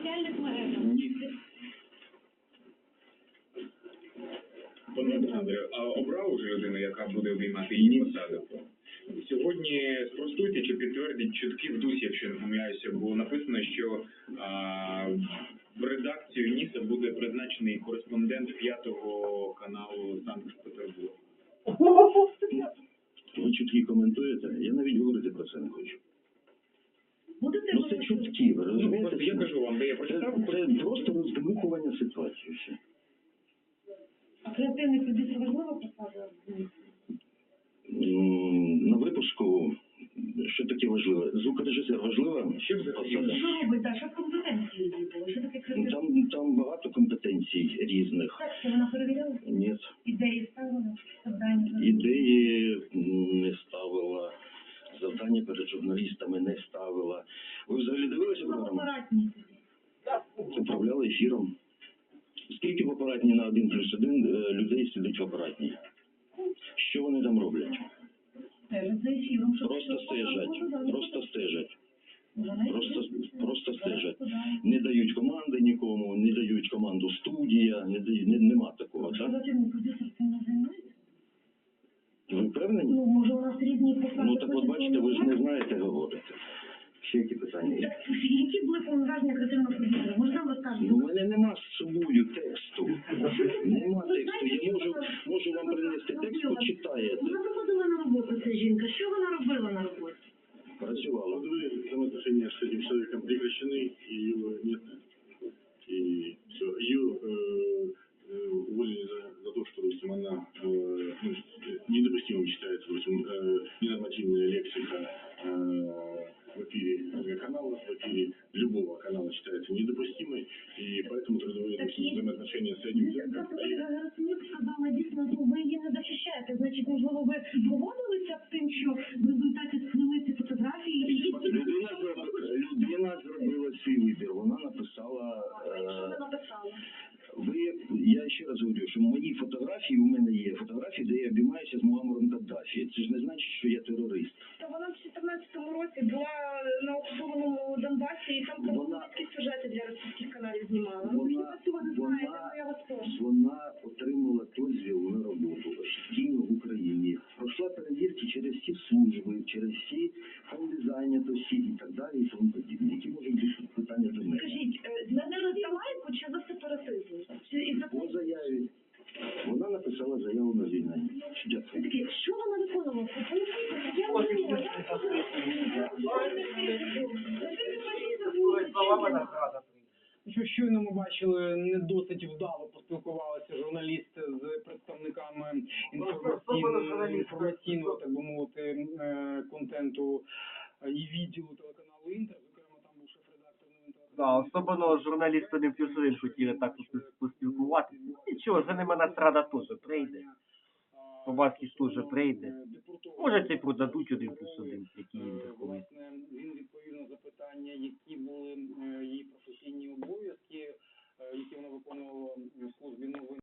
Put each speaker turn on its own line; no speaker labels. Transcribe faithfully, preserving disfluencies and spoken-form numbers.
соціальних мережах.
Ні.
Пане Олександре, а обрав уже людину, яка буде обіймати її посаду? Сьогодні спростуйте чи підтвердіть чутки в дусі, якщо не помиляюся, бо написано, що а, в редакцію НІСа буде призначений кореспондент п'ятого каналу Санкт-Петербург.
Ви чутки коментуєте? Я навіть говорити про це не хочу.
Будете
Ну це чутки, ви розумієте?
Ну, я кажу вам, де я прочитав.
Це, це просто роздмухування ситуації. Все.
А креативний продюсер важлива посада?
На випуску, що таке важливе? Звукорежисер важлива
Що це
посада?
Що робить, так, що компетенції було? Що таке креативний?
Там, там багато компетенцій різних.
Тексти вона перевіряла?
Ні.
Ідеї ставила? Завдання?
Ідеї не ставила, завдання перед журналістами не ставила. Ви взагалі дивилися програму?
Апаратні тоді.
Управляли ефіром. Скільки в апаратні на один плюс один людей сидить в апаратній? Що вони там роблять?
Стежать за ефіром. щоб
Просто
що
стежать.
показували,
Просто стежать.
Вони
Просто, просто стежать.
туди.
Не дають команди нікому, не дають команду студія, не дають, не, нема такого, так?
Креативний продюсер цим не займається?
Ви впевнені?
Ну, може у нас різні посади.
Ну так от бачите, ви ж не знаєте говорити. Ще які питання є?
Так, які були повноваження креативного продюсера? Можна вам розкажете?
Ну, у мене нема з собою тексту. Нема тексту. Я можу, можу вам принести текст, почитаєте.
Вона заходила на роботу, ця жінка. Що вона робила на роботі?
Працювала.
Взаимоотношения с этим человеком прекращены, и ее нет. И все. Ее э, э, уволили за, за то, что, допустим, она э, ну, недопустимым считается, допустим, э, ненормативная лексика э, в эфире канала, в эфире любого канала считается недопустимой, и поэтому трудовые допустим, взаимоотношения с этим человеком.
Герасимюк сказала, дійсно, ну, ви її не захищаєте. Значить, можливо, ви погодилися з тим, що в результаті сплили ці фотографії? І
Людина, людина зробила свій вибір. Вона написала...
що
Е,
ви написали?
ви, я ще раз говорю, що мої фотографії, у мене є фотографії, де я обіймаюся з Муаммаром Каддафі. Це ж не значить, що я терорист.
Та вона в чотирнадцятому році була на окупованому Донбасі і там пропагандистські сюжети для російських каналів знімала. Ну, ви
Вона,
цього не знаєте,
вона,
ну я вас прошу.
вона отримала дозвіл на роботу офіційно в Україні. Пройшла перевірки через всі служби, через всі фонди зайнятості і так далі і тому подібне. Які можуть бути питання до мене?
Скажіть, змінили за лайку чи за сепаратизм? Чи і за
По заяві. Вона написала заяву на звільнення. Дякую.
такі, що вона виконувала? Я не знаю.
Що щойно ми бачили, не досить вдало поспілкувалися журналісти з представниками інформаційного, інформаційного, так би мовити, е, контенту і відділу телеканалу «Інтер». Зокрема, там був шеф-редактор новин телеканалу.
Да, особливо журналісти один плюс один хотіли так поспілкуватися. Нічого, за ними настрада теж прийде. Побаски теж прийде. Може, це й продадуть один плюс один, які «Інтер» колись.
Власне, він відповів на запитання, які були е, її професійні обов'язки, е, які вона виконувала в службі новин.